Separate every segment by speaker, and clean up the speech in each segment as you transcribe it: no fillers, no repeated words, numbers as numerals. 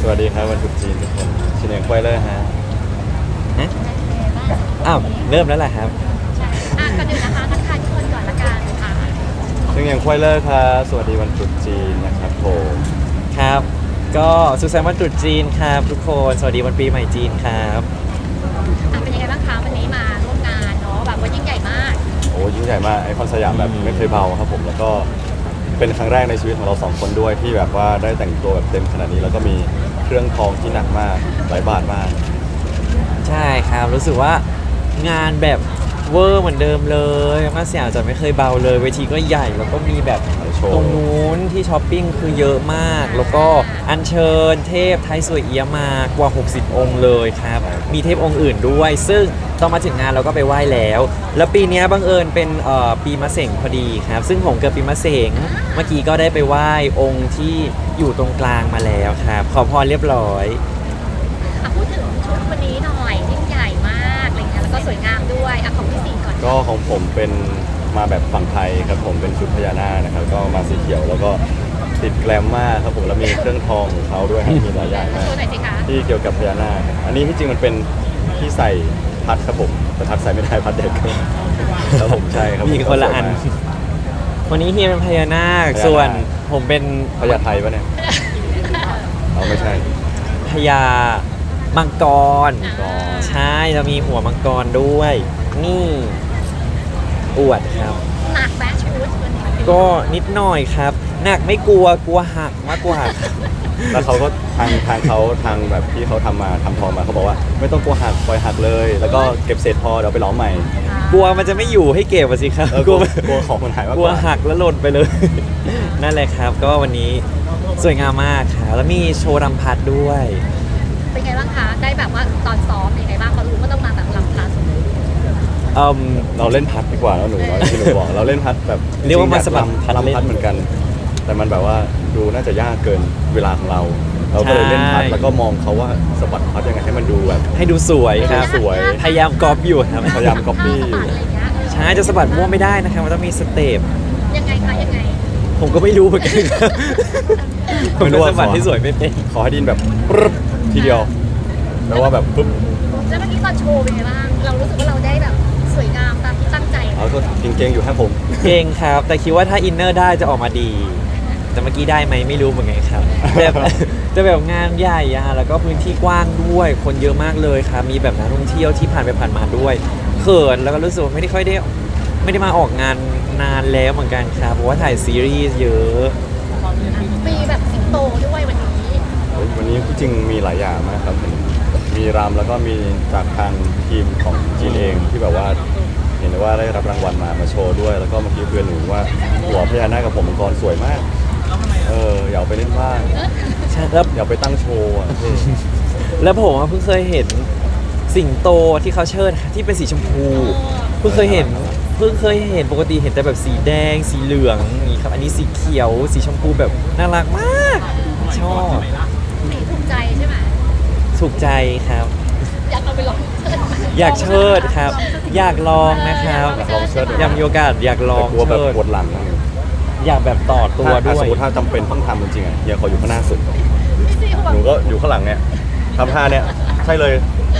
Speaker 1: วัสดีครับวันตรุษจีนทุกคนชินเองควายเลอร์ฮะ
Speaker 2: ฮะอ้าวเริ่มแล้วแหละครับ
Speaker 3: ก่อนอื่นนะคะทักทายทุกคนก่อนละกันค่ะ
Speaker 1: ชินเองควายเลอร์ครับสวัสดีวันตรุษจีนนะครับผม
Speaker 2: ครับ ก็สุขสันต์วันตรุษจีนครับทุกคนสวัสดีวันปีใหม่จีนครับ
Speaker 3: เป็นยังไงบ้างคะวันนี้มาร่วมงานเนาะแบบว่ายิ่งใหญ่มาก
Speaker 1: โอ้ยิ่งใหญ่มากไอคอนสยามแบบไม่เคยเบาครับผมแล้วก็เป็นครั้งแรกในชีวิตของเราสองคนด้วยที่แบบว่าได้แต่งตัวแบบเต็มขนาดนี้แล้วก็มีเครื่องทองที่หนักมากหลายบาทมาก
Speaker 2: ใช่ครับรู้สึกว่างานแบบเวอร์เหมือนเดิมเลยมาเสียจะไม่เคยเบาเลยเวทีก็ใหญ่แล้วก็มีแบบตรงนู้นที่ช้อปปิ้งคือเยอะมากแล้วก็อัญเชิญเทพไทยสวยเอี้ยมากว่า60องค์เลยครับมีเทพองค์อื่นด้วยซึ่งตอนมาถึงงานเราก็ไปไหว้แล้วปีนี้บังเอิญเป็นปีมะเส็งพอดีครับซึ่งผมเกิดปีมะเส็งเมื่อกี้ก็ได้ไปไหว้องค์ที่อยู่ตรงกลางมาแล้วครับขอพรเรียบร้อย
Speaker 3: พูดถึงชุดวันนี้หน่อยยิ่งใหญ่มากอะไรเงี้ยแล้วก็สวยงามด้วยของพี่สิงห์ก่อน
Speaker 1: ก็ของผมเป็นมาแบบฝั่งไทยครับผมเป็นชุดพญานาคนะครับก็มาสีเขียวแล้วก็ติดแกลมมากครับผมแล้วมีเครื่องทองของเขาด้วยครับมีหลายอย่างมากที่เกี่ยวกับพญานาคอันนี้ที่จริงมันเป็นที่ใส่พัดครับผมแต่พัดใส่ไม่ได้พัดเด็กแล้วผมใช่ครับ
Speaker 2: มีคนละอันวันนี้เฮียเป็นพญานาคส่วนผมเป็น
Speaker 1: พญาไทยปะเนี่ยเอาไม่ใช่
Speaker 2: พญามังกรใช่จะมีหัวมังกรด้วยนี่อวดครับ
Speaker 3: หนักแบชชุด
Speaker 2: ก็นิดหน่อยครับหนักไม่กลัวหักมากกว่า
Speaker 1: แล้วเขาก็ทางแบบที่เขาทำทองมาเขาบอกว่าไม่ต้องกลัวหักปล่อยหักเลยแล้วก็เก็บเศษพอเดี๋ยวไปล้อมใหม่
Speaker 2: กลัวมันจะไม่อยู่ให้เก็บสิครับ
Speaker 1: กลัวของมันหายมาก
Speaker 2: กลัวหักแล้วหล่นไปเลยนั่นแหละครับก็วันนี้สวยงามมากครับแล้วมีโชว์รำพัดด้วย
Speaker 3: เป็นไงบ้างคะได้แบบว่าตอนซ้อมเป็นไงบ้างเขารู้ว่าต้องมาแบบรำพัด
Speaker 1: เราเล่นพัดดีกว่าแล้วหนูที่หนูบอกเราเล่นพัดแบบ
Speaker 2: เรียกว่ามาสมัคร
Speaker 1: พัดเหมือนกันแต่มันแบบว่าดูน่าจะยากเกินเวลาของเราก็เลยเล่นพัดแล้วก็มองเขาว่าสะบัดพัดยังไงให้มันดูแบบ
Speaker 2: ให้ดูสวยครับ
Speaker 1: สวย
Speaker 2: พยายามก๊อปอยู่ครับ
Speaker 1: พยายามก๊อปปี้อยู่
Speaker 2: ใช่จะสะบัดมั่วไม่ได้นะครับมันต้องมีสเต็ป
Speaker 3: ยังไงคะยังไง
Speaker 2: ผมก็ไม่รู้เหมือนกันผมสะบัดที่สวยไม่เป็น
Speaker 1: ขอให้ดินแบบปึ๊บทีเดียวแปลว่าแบบปึ๊บ
Speaker 3: แล้วเมื่อกี้ตอนโชว์เป็นไงบ้างเรารู้สึกว่าเราได้แบบสวยงามตามที่ตั้งใจ
Speaker 1: ก็เก่งๆอยู่ครับผม
Speaker 2: เก่งครับแต่คิดว่าถ้าอินเนอร์ได้จะออกมาดีแต่เมื่อกี้ได้ไหมไม่รู้เหมือนกันครับแบบงานใหญ่แล้วก็พื้นที่กว้างด้วยคนเยอะมากเลยครับมีแบบนักท่องเที่ยวที่ผ่านไปผ่านมาด้วยเขินแล้วก็รู้สึกไม่ได้มาออกงานนานแล้วเหมือนกันครับเพราะว่าถ่ายซีรีส์เยอะ
Speaker 3: มีแบบสิงโตด้วยวัน
Speaker 1: นี้จริงมีหลายอย่างมากครับมีรำแล้วก็มีจากทางทีมของจีนเองที่แบบว่าเห็นว่าได้รับรางวัลมาโชว์ด้วยแล้วก็เมื่อกี้เพื่อนหนูว่าหัวพญานาคกับผมมังกรสวยมากอยากไปเล่นบ้าง
Speaker 2: ใช่แล้ว
Speaker 1: อยากไปตั้งโชว์
Speaker 2: แล้วผมเพิ่งเคยเห็นสิงโตที่เขาเชิดที่เป็นสีชมพูเพิ่งเคยเห็นปกติเห็นแต่แบบสีแดงสีเหลืองนี่ครับอันนี้สีเขียวสีชมพูแบบน่ารักมากชอบ
Speaker 3: ถูกใจใช่ไหม
Speaker 2: ถูกใจครับ
Speaker 3: อยากเอาไปลอง
Speaker 2: อยากเชิดครับอยากลองนะครับอยากมีโอกาสอยากลอง
Speaker 1: กลัวแบบปวดหลัง
Speaker 2: อยากแบบต่อตัวด้วย
Speaker 1: สมมติถ้าจำเป็นต้องทำจริงๆเฮียขออยู่ข้างหน้าสุดหนูก็อยู่ข้างหลังเนี่ยทำท่าเนี่ยใช่เลย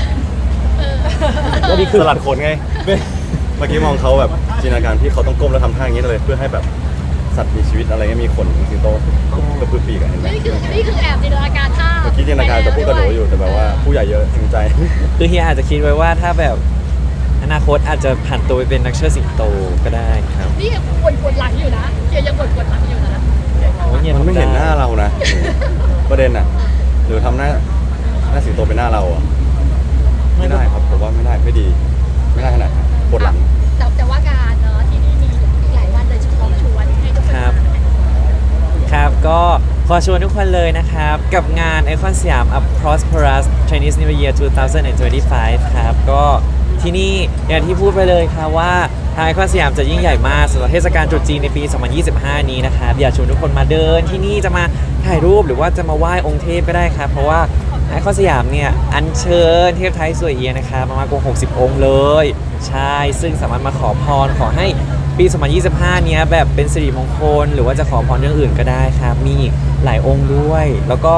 Speaker 2: ก็นี่คือ
Speaker 1: สลัดขนไงเมื่อกี้มองเขาแบบจินตนาการที่เขาต้องก้มแล้วทำท่าอย่างนี้เลยเพื่อให้แบบสัตว์มีชีวิตอะไรเงี้ยมีขนสิงโตกระพือปีกเห็นไหม
Speaker 3: นี่คือแอบจินตนาการท่า
Speaker 1: เมื่อกี้จินตนาการจะพูดกระโดดอยู่แต่แบบว่าผู้ใหญ่เยอะจริงใจ
Speaker 2: คือเฮียอาจจะคิดไว้ว่าถ้าแบบอนาคตอาจจะผันตัวไปเป็นนักเชิดสิงโตก็ได้ครับ
Speaker 3: นี่ยังปวดหลังอยู่นะยังปวดหลังอยู่นะ
Speaker 1: มันไม่เห็นหน้าเรานะประเด็นหรือทำหน้าสิงโตเป็นหน้าเราไม่ได้ครับผมว่าไม่ได้ไม่ดีไม่ได้ขนาดปวดหลัง
Speaker 3: แต่ว่าการเนาะที่นี่มีหลายวันเลยชวนให้ทุกคน
Speaker 2: ครับก็ขอชวนทุกคนเลยนะครับกับงานไอคอนสยาม A Prosperous Chinese New Year 2025 ครับก็ที่นี่อย่างที่พูดไปเลยครับว่าทางไอคอนสยามจะยิ่งใหญ่มากสำหรับเทศกาลตรุษจีนในปี 2025 นี้นะครับอยากชวนทุกคนมาเดินที่นี่จะมาถ่ายรูปหรือว่าจะมาไหว้องค์เทพก็ได้ครับเพราะว่าไอคอนสยามเนี่ยอัญเชิญเทพไทยสวยเอียนะครับมากกว่า60องค์เลยใช่ซึ่งสามารถมาขอพรขอให้ปี 2025 เนี้ยแบบเป็นสิริมงคลหรือว่าจะขอพรเรื่องอื่นก็ได้ครับมีอีกหลายองค์ด้วยแล้วก็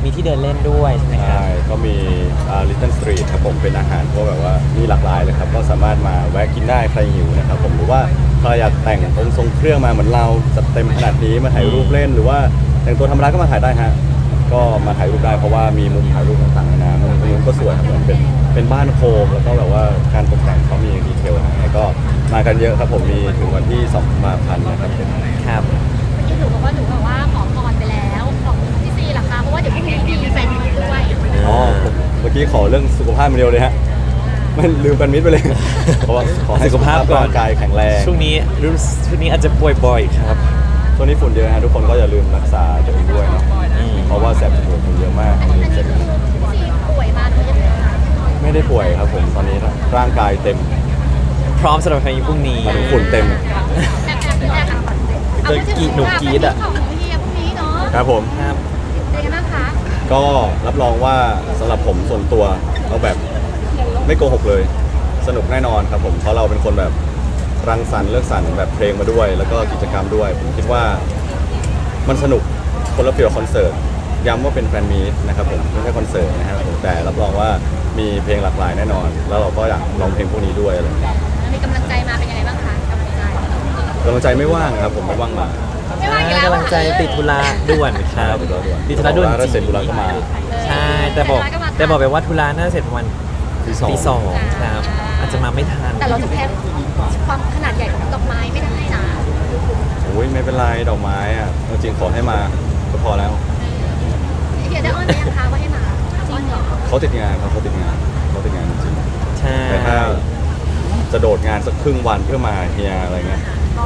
Speaker 2: มีที่เดินเล่นด้วยใช่ไหมครับ
Speaker 1: ใช่ก็มีLittle Street ครับผมเป็นอาหารก็แบบว่ามีหลากหลายเลยครับก็สามารถมาแวะกินได้ใครหิวนะครับผมหรือว่าใครอยากแต่งองค์ทรงเครื่องมาเหมือนเราจัดเต็มขนาดนี้มาถ่ายรูปเล่นหรือว่าแต่งตัวธรรมดาก็มาถ่ายได้ฮะก็มาถ่ายรูปได้เพราะว่ามีมุมถ่ายรูปต่างๆนานามุมตรงนู้นก็สวยครับเหมือนเป็นบ้านโคมแล้วก็แบบว่าการตกแต่งเขามีดีเทลนะก็มากันเยอะครับผมมีถึงวันที่2 กุมภาพันธ์นะครับผม
Speaker 2: ครับ
Speaker 3: เมื่อกี้หนูบอกว่าขอพรไปแล้วของพี่ซีล่ะคะเพราะว่าเดี๋ยวพรุ่งนี้มีแฟนมีตด้วย
Speaker 1: อ๋อผมเมื่อกี้ขอเรื่องสุขภาพมาเดียวเลยฮะไม่ลืมกันมิดไปเลย เพราะว่าขอให้สุขภาพร่างกายแข็งแรง
Speaker 2: ช่วงนี้อาจจะป่วยบ่อยครับ
Speaker 1: ช่วงนี้ฝุ่นเยอะฮะทุกคนก็อย่าลืมรักษาตัวเองด้วยเนาะเพราะว่าแสบจมูกฝุ่นเยอะมาก
Speaker 3: อันนี้คือพี่ซีป่วยมาหรือยังไงคะ
Speaker 1: ไม่ได้ป่วยครับผมตอนนี้ร่างกายเต็ม
Speaker 2: พร้อมสำหรับพายุพรุ่งนี้
Speaker 1: มาถึงฝุ่นเต็ม
Speaker 3: แอบเป็นแอบค่ะ
Speaker 2: เจอกีดหนูกรี๊ดอะ
Speaker 3: ของเฮียพรุ่งนี้เนาะ
Speaker 1: ครับผม
Speaker 2: ครับ
Speaker 3: เป็นยังไงบ้างคะ
Speaker 1: ก็รับรองว่าสำหรับผมส่วนตัวเอาแบบไม่โกหกเลย สนุกแน่นอนครับผมเพราะเราเป็นคนแบบรังสรรค์เลือกสรรแบบเพลงมาด้วย แล้วก็กิจกรรมด้วย ผมคิดว่ามันสนุกคนละฟีลคอนเสิร์ตย้ำว่าเป็นแฟนมีตนะครับผมไม่ใช่คอนเสิร์ตนะครับผมแต่รับรองว่ามีเพลงหลากหลายแน่นอน แล้วเราก็อยากลองเพลงพวกนี้ด้วยอะไรอย่างเงี้ย
Speaker 3: มีกำลังใจมาเป็นยังไงบ้างคะกำลังใจ
Speaker 1: กำลังใจไม่ว่างครับผมไม่ว่างมา
Speaker 3: ไม่ว่าอีกแล้ว
Speaker 2: กำลังใจติดธุระด่วนครับ ติดธุระด่วน
Speaker 1: ถ้าเสร็จธุระก็มา
Speaker 2: ใช่แต่บอกไปว่าธุระน่าจะเสร็จประมาณ ตีสองครับ อาจจะมาไม่ทัน
Speaker 3: แต่เราจะแพ้ความขนาดใหญ่ของดอกไม้ไม่ได้นะ
Speaker 1: โอ้ยไม่เป็นไรดอกไม้อะจริงๆขอให้มาก็พอแล้ว
Speaker 3: เฮียได้อ้อนไหมยังคะว่าให้มาอ้อนเหรอ
Speaker 1: เขาติดงานครับเขาติดงานจริง
Speaker 2: ใช่
Speaker 1: ๆแต่ถ้าจะโดดงานสักครึ่งวันเพื่อมาเฮียอะไรเงี้ย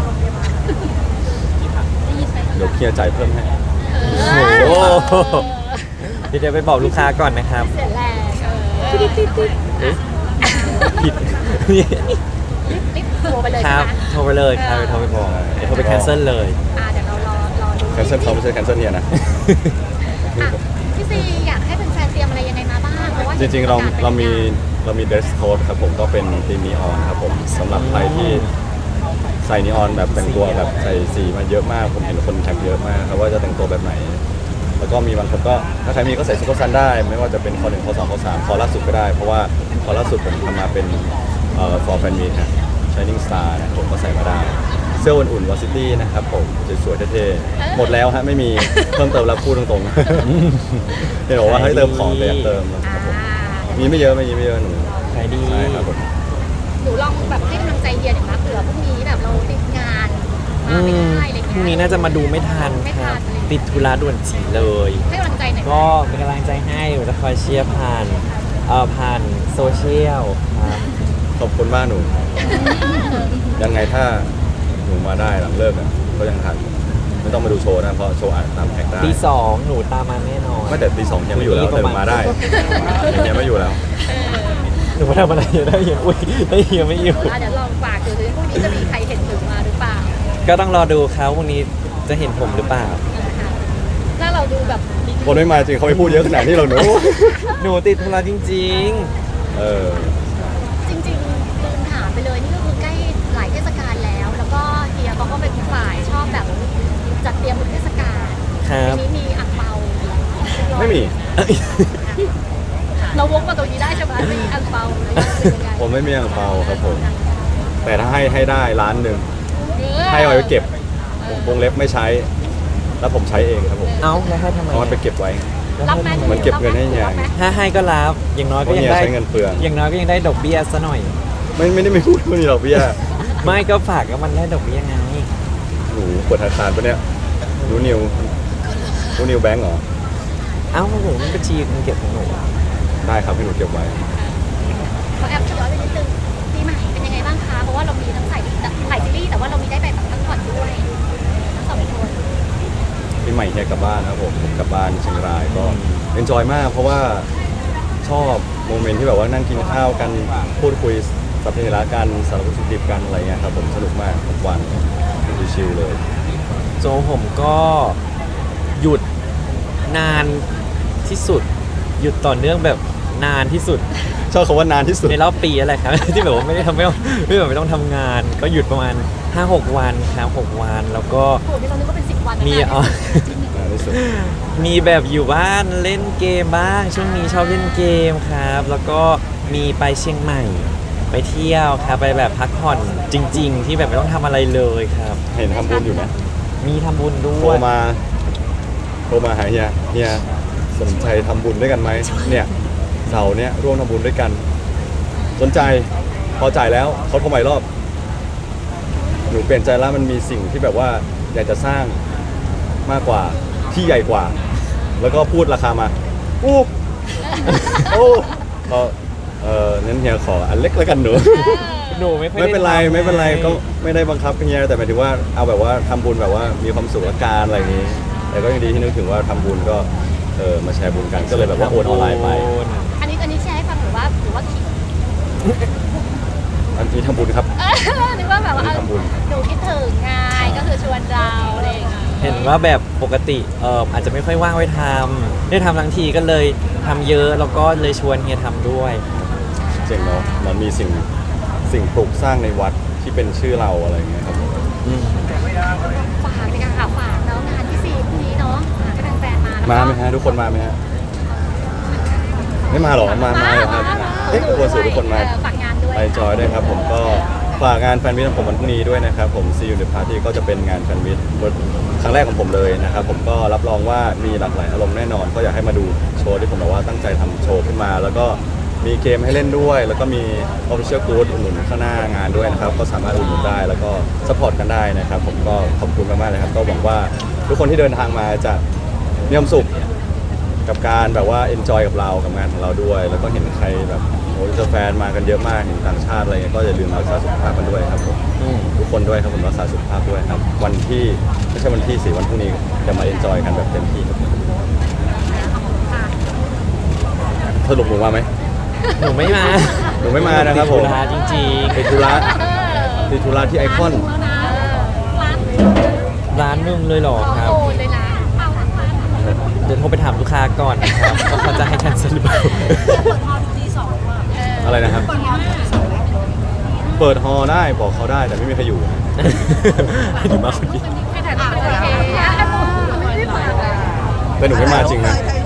Speaker 3: ได้ยินไหม
Speaker 1: เดี๋ยวเฮียจ่ายเพิ่มให้
Speaker 2: โอ้โหเดี๋ยวไปบอกลูกค้าก่อนนะครับ
Speaker 3: เสียแรง
Speaker 2: ผิด
Speaker 3: รีบโทรไปเลย
Speaker 2: ค
Speaker 3: ใช่
Speaker 2: รับ
Speaker 3: ไหม
Speaker 2: โทรไปเลยครับโทรไปบอกเดี๋ยวโทรไปแคนเซิลเลย
Speaker 3: เดี๋ยวเรารอดู
Speaker 1: แคนเซิลเขาไม่ใช่แคนเซิลเฮียนะ
Speaker 3: พี่ซีอยากให้แฟนๆเตรียมอะไรยังไงมาบ้างเพราะว่า
Speaker 1: จริงๆเรามีเดรสโค้ดครับผมก็เป็นธีมนีออนครับผมสำหรับใครที่ใส่นีออนแบบแต่งตัวแบบใส่สีมาเยอะมากผมเห็นคนแท็กเยอะมากครับว่าจะแต่งตัวแบบไหน แล้วก็มีบางคนก็ถ้าใครมีก็ใส่ซุปเปอร์ซันได้ ไม่ว่าจะเป็นคอ1คอ2คอ3คอล่าสุดก็ได้ เพราะว่าคอล่าสุดผมทำมาเป็นfor fan meet ฮะ Shining Star นะผมก็ใส่มาได้ เสื้ออุ่นๆวอซิตี้นะครับผมสวยๆเท่ๆหมดแล้วฮะไม่มีเพิ่มเติมแล้วพูดตรงๆเห็นบอกว่าให้เติมของแต่อยากเติมนะครับผมมีไม่เยอะหนู
Speaker 2: ขายดี
Speaker 1: ใช่ครับผม
Speaker 3: หนูลองแบบให้กำลังใจเฮียหน่อยนะเผื่อพรุ่งนี้แบบเราติดงานมาไม่ได้อะไร
Speaker 2: พรุ่งนี้
Speaker 3: เงี้ย
Speaker 2: น่าจะมาดูไม่ทัน
Speaker 3: ไม่
Speaker 2: ค
Speaker 3: ทั
Speaker 2: รับ
Speaker 3: น
Speaker 2: ติดธุระด่วนจีเลย
Speaker 3: ให้กำลังใจหน่อย
Speaker 2: ก็เป็นกำลังใจให้เดี๋ยวจะคอยเชียร์ผ่านโซเชียลครับ
Speaker 1: ขอบคุณมากหนู ยังไงถ้าหนูมาได้หลังเลิกอ่ะก็ยังทันไม่ต้องมาดูโชว์นะเพราะโชว์อาจตามแท็กได้
Speaker 2: ตี 2หนูตามมาแน่นอน
Speaker 1: ไม่แต่ตี 2ยังไม่อยู่แล้วแต่มาได้ยังไม่อยู่แล้ว
Speaker 2: หนูมาทำอะไรได้เฮียอุ้ยได้เฮียไม่อยู่
Speaker 3: เดี๋ยวลองฝากดูพรุ่งนี้จะมีใครเห็นหนูมาหรือเปล่า
Speaker 2: ก็ต้องรอดูครับวันนี้จะเห็นผมหรือเปล่า
Speaker 3: ถ้าเราดูแบบ
Speaker 1: คนไม่มาจริงเขาไม่พูดเยอะขนาดนี้หรอกหนู
Speaker 2: หนูติดธุระจริง
Speaker 1: เออ
Speaker 3: จริงๆลืมถามไปเลยนี่ก็คือใกล้หลายเทศกาลแล้ว แล้วก็เฮียเขาก็เป็นฝ่ายชอบแบบจัดเตรียมเทศกาล
Speaker 2: ๆ ครับ
Speaker 3: ทีนี้มีอ่างเปา
Speaker 1: ไม่มี
Speaker 3: เราวกมาตรงนี้ได้ใช่ไหมมีอ่างเปาเลยยังไง
Speaker 1: ผมไม่มีอ่างเปาครับผม แต่ถ้าให้ได้1 ล้านให้เอาไว้เก็บวงเล็บไม่ใช้ แล้วผมใช้เองครับผม
Speaker 2: เอ้าแล้วให้ทำไม
Speaker 1: เอามันไปเก็บไว้
Speaker 3: รับไหม
Speaker 1: เหมือนเก็บเงินให้ยาย
Speaker 2: ถ้าให้ก็รับอย่างน้อย
Speaker 1: เพ
Speaker 2: ก็
Speaker 1: ราะ
Speaker 2: ยัง
Speaker 1: เฮีย
Speaker 2: ได้
Speaker 1: ใช้เงินเปลือง
Speaker 2: อย่างน้อยก็ยังได้ดอกเบี้ยซะหน่อย
Speaker 1: ไม่ได้ไม่พูดไม่มีหรอกพี่อะ
Speaker 2: ไม่ก็ฝากก็มันได้ดอกเบี้ยไง
Speaker 1: หนูเปิดธนาคารปะเนี่ยรู้นิวแบงก์เหรอ
Speaker 2: เอ้าหนูมันบัญชีเงินเก็บของหนู
Speaker 1: ได้ครับให้หนูเก็บไว้
Speaker 3: ขอแอบย้อนไปนิดนึงปีใหม่เป็นยังไงบ้างคะ เพราะว่าเรามีทั้งถ่ายซีรีส์แต่ว่าเรามีได้ไปแบบพักผ่อนด้วยทั้งสองคน
Speaker 1: ปีใหม่เฮียกลับบ้านนะครับผมกลับบ้านเชียงรายก็เอนจอยมาก เพราะว่าชอบโมเมนต์ที่แบบว่านั่งกินข้าวกันพูดคุยสัพเพเหระกันสารพัดสุขดิบกันอะไรเงี้ยครับผมสนุกมากทุกวันชิลๆเลย
Speaker 2: โจผมก็หยุดนานที่สุด หยุดต่อเนื่องแบบนานที่สุด
Speaker 1: ชอบคำว่านานที่สุด
Speaker 2: ในรอบปีอะไรครับ ที่แบบว่าไม่ต้องทำงาน ก็หยุดประมาณ 5-6 วันครับ6 วันแล้วก็
Speaker 3: โอ้โหนี่เรานึกว่าเป็น10 วันนะ
Speaker 2: มี
Speaker 3: เนี่ย
Speaker 1: นี่สุด
Speaker 2: มีแบบอยู่บ้านเล่นเกมบ้าง ช่วงนี้ชอบเล่นเกมครับ แล้วก็มีไปเชียงใหม่ไปเที่ยวครับไปแบบพักผ่อนจริง ๆ ที่แบบไม่ต้องทำอะไรเลยครับ
Speaker 1: เห็นทำบุญอยู่นะ
Speaker 2: มีทำบุญด้
Speaker 1: โทร
Speaker 2: วย
Speaker 1: มาหาเฮียสนใจทำบุญด้วยกันไหมเนี่ยเสาร์เนี่ยร่วมทำบุญด้วยกัน สนใจพอจ่ายแล้วเขาโทรใหม่รอบหนูเปลี่ยนใจแล้วมันมีสิ่งที่แบบว่าอยากจะสร้างมากกว่าที่ใหญ่กว่า แล้วก็พูดราคามาอู้โอ้งั้นเฮียขออันเล็กแล้วกันหนู
Speaker 2: หนูไม่ค่อย
Speaker 1: ไม่เป็นไร
Speaker 2: ด้ทำ
Speaker 1: ไม่เป็นไร
Speaker 2: ให้
Speaker 1: ก็ไม่ได้บังคับเฮียแต่หมายถึงว่าเอาแบบว่าทำบุญแบบว่ามีความสุขละกันอะไรอย่างนี้ แต่ก็ยังดีที่นึกถึงว่าทำบุญก็มาแชร์บุญกันก็เลยแบบว่าโอนออนไลน์ไป
Speaker 3: อันนี้แชร์ให้ฟังหรือว่าขิง
Speaker 1: อันนี้ทำบุญครับ
Speaker 3: นึกว่าแบบว่า
Speaker 1: ทำบุญ
Speaker 3: หนูคิดถึงไงก็คือชวนเราอะไรอย่างเงี้ย
Speaker 2: เห็นว่าแบบปกติอาจจะไม่ค่อยว่างไว้ทำได้ทำทั้งทีก็เลยทำเยอะแล้วก็เลยชวนเฮียทำด้วย
Speaker 1: เจ๋งเนาะมันมีสิ่งปลูกสร้างในวัดที่เป็นชื่อเราอะไรอย่างเงี้ยครับผม
Speaker 3: ฝากเลยค่ะฝากเนาะงานที่4พรุ่งนี้เนาะก็แฟนๆมาแล้วก็
Speaker 1: มาไหมฮะทุกคนมาไหมฮะไม่มาหรอมาเหรอครับเอ๊ะควรสื่อทุกคนมา
Speaker 3: ฝากงานด้วย
Speaker 1: ไปจอยด้วยครับผมก็ฝากงานแฟนมิตของผมวันพรุ่งนี้ด้วยนะครับผม See You in the Party ก็จะเป็นงานแฟนมิตครั้งแรกของผมเลยนะครับผมก็รับรองว่ามีหลากหลายอารมณ์แน่นอน ก็อยากให้มาดูโชว์ที่ผมแบบว่าตั้งใจทำโชว์ขึ้นมา แล้วก็มีเกมให้เล่นด้วย แล้วก็มี Official Good อุดหนุนข้างหน้างานด้วยนะครับก็สามารถอุดหนุนได้แล้วก็สปอร์ตกันได้นะครับผมก็ขอบคุณมากๆเลยครับก็หวังว่าทุกคนที่เดินทางมาจะมีความสุข กับการแบบว่า enjoy กับเรากับงานของเราด้วย แล้วก็เห็นใครแบบโอ้ยแฟนมากันเยอะมากเห็นต่างชาติอะไรเงี้ยก็อย่าลืมรักษาสุขภาพกันด้วยครับผมทุกคนด้วยครับผมรักษาสุขภาพด้วยครับวันที่ไม่ใช่วันที่4วันพรุ่งนี้จะมา enjoy กันแบบเต็มที่ครับสรุปหนูมาไหม
Speaker 2: หนูไม่มา
Speaker 1: หนูไม่มานะครับผม
Speaker 2: ติดธุระจริง
Speaker 1: ติดธุระที่ไอคอน
Speaker 3: แล้วนะร้าน
Speaker 2: ๆ ร้านนึงเลยเหรอครับ
Speaker 3: โอนเลยนะเอาร้าน
Speaker 2: เดี๋ยวโทรไปถามลูกค้าก่อนนะครับว่าเขาจะให้แคนเซิลหรือเปล่า
Speaker 1: อะไรนะครับ เปิดฮอได้บอกเขาได้แต่ไม่มีใครอยู่
Speaker 2: หนูมาคนเดียว
Speaker 3: ให้ถ่ายรูปโอเคอ่ะไม่ได้ฝากเลย
Speaker 1: แต่หนูไม่มาจริงนะ
Speaker 4: ใคร